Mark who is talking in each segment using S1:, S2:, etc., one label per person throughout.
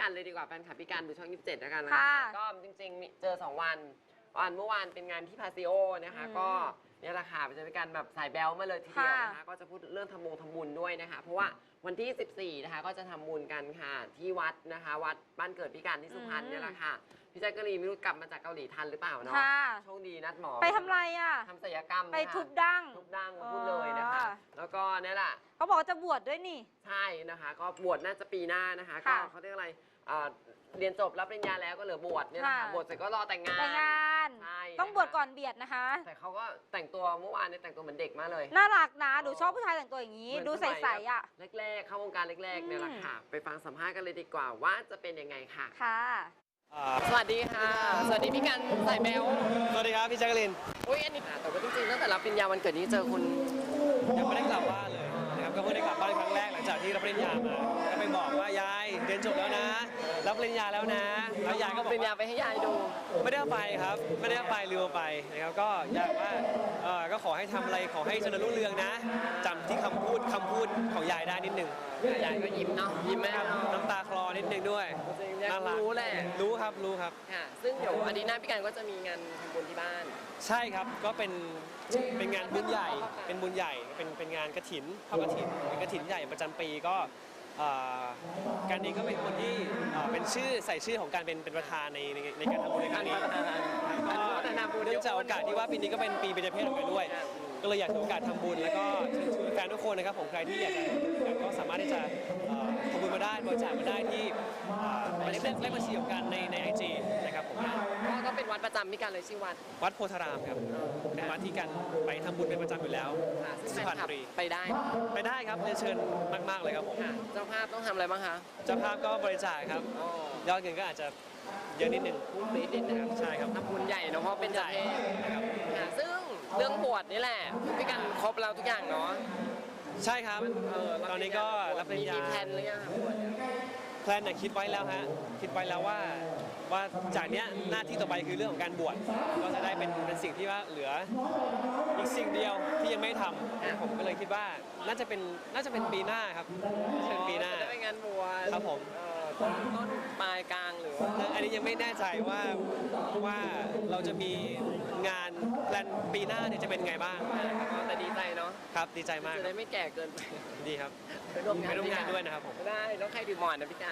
S1: กันเลยดีกว่าแฟนคลับพี่กันดูช่อง27แล้วกันนะคะก็จริงๆเจอ2 วันเมื่อวานเป็นงานที่พาซิโอนะคะก็เนี่ยแหละค่ะจะเป็นการแบบสายแบลมาเลยทีเดียวนะคะก็จะพูดเรื่องทำบุญด้วยนะคะเพราะว่าวันที่14นะคะก็จะทำบุญกันค่ะที่วัดนะคะวัดบ้านเกิดพี่กันที่สุพรรณเนี่ยแหละค่ะพี่แจ๊กกะรีนไม่รู้กลับมาจากเกาหลีทันหรือเปล่าเนาะโชคดีนัดหมอ
S2: ไปทำไรอ่ะ
S1: ทำศัลยกรรม
S2: ไปทุบดั้ง
S1: พูดเลยนะคะแล้วก็เนี่ยแหละ
S2: เขาบอกจะบวชด้วยนี่
S1: ใช่นะคะก็บวชน่าจะปีหน้านะคะก็เขาเรียกอะไรเรียนจบรับปริญญาแล้วก็เหลือบวชเนี่ยนะคะบวชเสร็จก็รอแต่งงาน
S2: ใช่ต้องบวชก่อนเบียดนะคะ
S1: แต่เขาก็แต่งตัวเมื่อวานเนี่ยแต่งตัวเหมือนเด็กมากเลย
S2: น่ารักนะหนูชอบผู้ชายแต่งตัวอย่างนี้ดูใสๆอ่ะ
S1: แรกๆเข้าวงการแรกๆเนี่ยแหละค่ะไปฟังสัมภาษณ์กันเลยดีกว่าว่าจะเป็นยังไงค่ะสวัสดีค่ะสวัสดีพี่กันสายแมว
S3: สวัสดีครับพี่แจ๊กกะลีน
S1: อุ้ยอันนี้แต่ว่าจริงๆตั้งแต่รับปริญญาวันเกิดนี้เจอคุณ
S3: ยังไม่ได้กลับบ้านเลยนะครับก็เพิ่งได้กลับบ้านครั้งแรกหลังจากที่รับปริญญามาก็ไปบอกว่ายายเรียนจบแล้วนะรับปริญญาแล้วนะแล้วยายก็บอก
S1: ปริญญาไปให้ยายดู
S3: ไม่ได้ไปครับไม่ได้ไปลืมไปนะครับก็อยากว่าก็ขอให้ทำอะไรขอให้เจริญรุ่งเรืองนะจำที่คำพูดของยายได้นิดนึง
S1: ยายก็ยิ้มเนาะยิ้มแม่
S3: น้ำตาคลอนิดนึงด้วย
S1: น่ารักรู้แหละ
S3: รู้ครับ
S1: ค่ะซึ่งเดี๋ยวอาทิตย์หน้าพี่กันก็จะมีงานทำบุญที่บ้าน
S3: ใช่ครับก็เป็นงานบุญใหญ่เป็นงานกฐินทอดกฐินเป็นกฐินใหญ่ประจำปีก็การนี้ก็เป็นคนที่เป็นใส่ชื่อของการเป็นประธานในการทำบุญในครั้งนี้ก็เนื่องจากโอกาสที่ว่าปีนี้ก็เป็นปีเบญจเพศของกันด้วยก็เลยอยากถือโอกาสทำบุญแล้วก็เชิญชวนแฟนทุกคนนะครับผมใครที่อยากจะก็สามารถที่จะทำบุญมาได้บริจาคมาได้ที่เลขบัญชีของกันใน IG นะครับผม
S1: ก็เป็นวัดประจำพี่กันเลยชื่อ
S3: วัดโพธารามครับเป็นวัดที่กันไปทำบุญเป็นประจำอยู่แล้ว
S1: สุพรรณบุรีไปได้
S3: ครับเรียนเชิญมากๆเลยครับผม
S1: เจ้าภาพต้องทำอะไรบ้างคะ
S3: เจ้าภาพก็บริจาคครับยอดเงินก็อาจจะเยอะนิดนึง
S1: นะครับ
S3: ใช่ครับ
S1: ทำบุญใหญ่เนาะเพราะเป็นใหญ่นะครับซึ่งเรื่องบวชนี่แหละพี่กันครบแล้วทุกอย่างเนาะ
S3: ใช่ครับตอนนี้ก็รับปริญญา
S1: มีแพลนหรือยังครับ
S3: แพลนเนี่ยคิดไว้แล้วฮะคิดไว้แล้วว่าจากเนี้ยหน้าที่ต่อไปคือเรื่องของการบวชก็จะได้เป็นสิ่งที่ว่าเหลืออีกสิ่งเดียวที่ยังไม่ทำผมก็เลยคิดว่าน่าจะเป็นปีหน้าครับเป็นปีหน้า
S1: จะเป็นงานบวช
S3: ครับผม
S1: ต้นปลายกลางหรือ
S3: อันนี้ยังไม่แน่ใจว่าเราจะมีงานแพลนปีหน้าเนี่ยจะเป็นไงบ้าง
S1: แต่ดีใจเนาะ
S3: ครับดีใจมาก
S1: จะได้ไม่แก่เกินไป
S3: ดีครับ
S1: ไปร่วมง
S3: านด้วยนะครับผม
S1: ได้แล้วใครถือหมอนนะพี่การ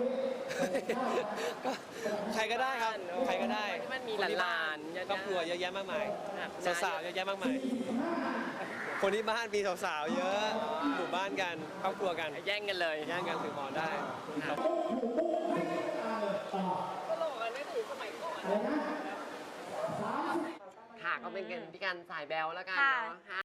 S3: ก็ใครก็ได้ครับใครก็ได้
S1: ที่มันมีหลาน
S3: ครอบครัวเยอะแยะมากมายสาวๆเยอะแยะมากมายคนที่บ้านมีสาวๆเยอะหมู่บ้านกันครอบครัวกัน
S1: แย่งกัน
S3: ถือหมอนได้
S1: ค่ะก็เป็นพี่กันสายแบลแล้วกันเนาะ